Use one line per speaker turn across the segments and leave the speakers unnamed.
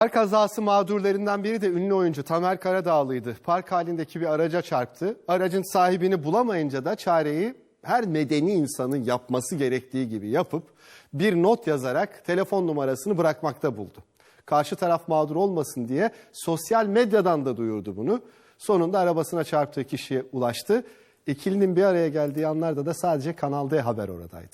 Park kazası mağdurlarından biri de ünlü oyuncu Tamer Karadağlı'ydı. Park halindeki bir araca çarptı. Aracın sahibini bulamayınca da çareyi her medeni insanın yapması gerektiği gibi yapıp bir not yazarak telefon numarasını bırakmakta buldu. Karşı taraf mağdur olmasın diye sosyal medyadan da duyurdu bunu. Sonunda arabasına çarptığı kişiye ulaştı. İkilinin bir araya geldiği anlarda da sadece Kanal D Haber oradaydı.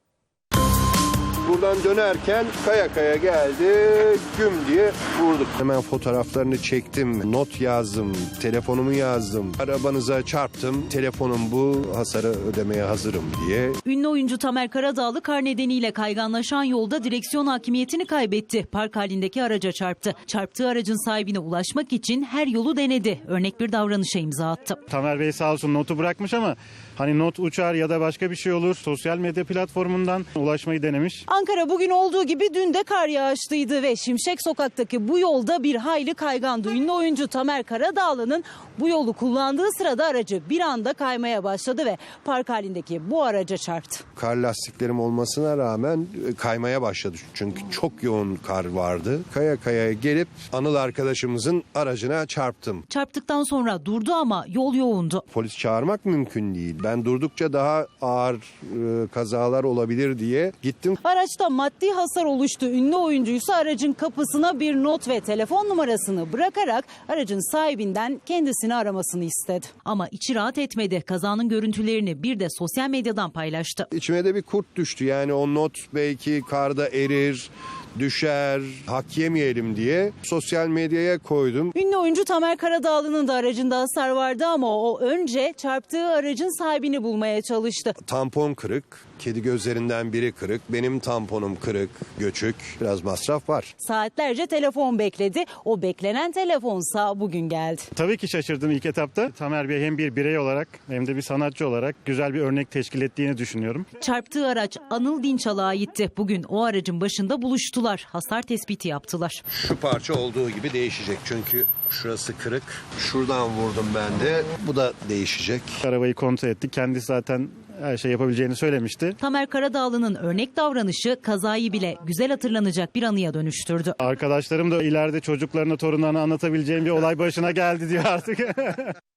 Buradan dönerken kaya kaya geldi, güm diye vurduk. Hemen fotoğraflarını çektim, not yazdım, telefonumu yazdım. Arabanıza çarptım, telefonum bu, hasarı ödemeye hazırım diye.
Ünlü oyuncu Tamer Karadağlı kar nedeniyle kayganlaşan yolda direksiyon hakimiyetini kaybetti. Park halindeki araca çarptı. Çarptığı aracın sahibine ulaşmak için her yolu denedi. Örnek bir davranışa imza attı.
Tamer Bey sağ olsun notu bırakmış ama hani not uçar ya da başka bir şey olur. Sosyal medya platformundan ulaşmayı denemiş.
Ankara bugün olduğu gibi dün de kar yağışlıydı ve Şimşek Sokak'taki bu yolda bir hayli kaygandı. Ünlü oyuncu Tamer Karadağlı'nın bu yolu kullandığı sırada aracı bir anda kaymaya başladı ve park halindeki bu araca çarptı.
Kar lastiklerim olmasına rağmen kaymaya başladı. Çünkü çok yoğun kar vardı. Kaya kaya gelip Anıl arkadaşımızın aracına çarptım.
Çarptıktan sonra durdu ama yol yoğundu.
Polis çağırmak mümkün değil. Ben durdukça daha ağır kazalar olabilir diye gittim.
Araçta maddi hasar oluştu. Ünlü oyuncuysa aracın kapısına bir not ve telefon numarasını bırakarak aracın sahibinden kendisini aramasını istedi. Ama içi rahat etmedi. Kazanın görüntülerini bir de sosyal medyadan paylaştı.
İçime de bir kurt düştü. Yani o not belki karda erir, düşer, hak yemeyelim diye sosyal medyaya koydum.
Ünlü oyuncu Tamer Karadağlı'nın da aracında hasar vardı ama o önce çarptığı aracın sahibini bulmaya çalıştı.
Tampon kırık, kedi gözlerinden biri kırık, benim tamponum kırık, göçük, biraz masraf var.
Saatlerce telefon bekledi. O beklenen telefonsa bugün geldi.
Tabii ki şaşırdım ilk etapta. Tamer Bey hem bir birey olarak hem de bir sanatçı olarak güzel bir örnek teşkil ettiğini düşünüyorum.
Çarptığı araç Anıl Dinçal'a aitti. Bugün o aracın başında buluştular. Hasar tespiti yaptılar.
Şu parça olduğu gibi değişecek çünkü şurası kırık. Şuradan vurdum ben de. Bu da değişecek.
Arabayı kontrol ettik. Kendisi zaten her şey yapabileceğini söylemişti.
Tamer Karadağlı'nın örnek davranışı kazayı bile güzel hatırlanacak bir anıya dönüştürdü.
Arkadaşlarım da ileride çocuklarına, torunlarına anlatabileceğim bir olay başına geldi diyor artık.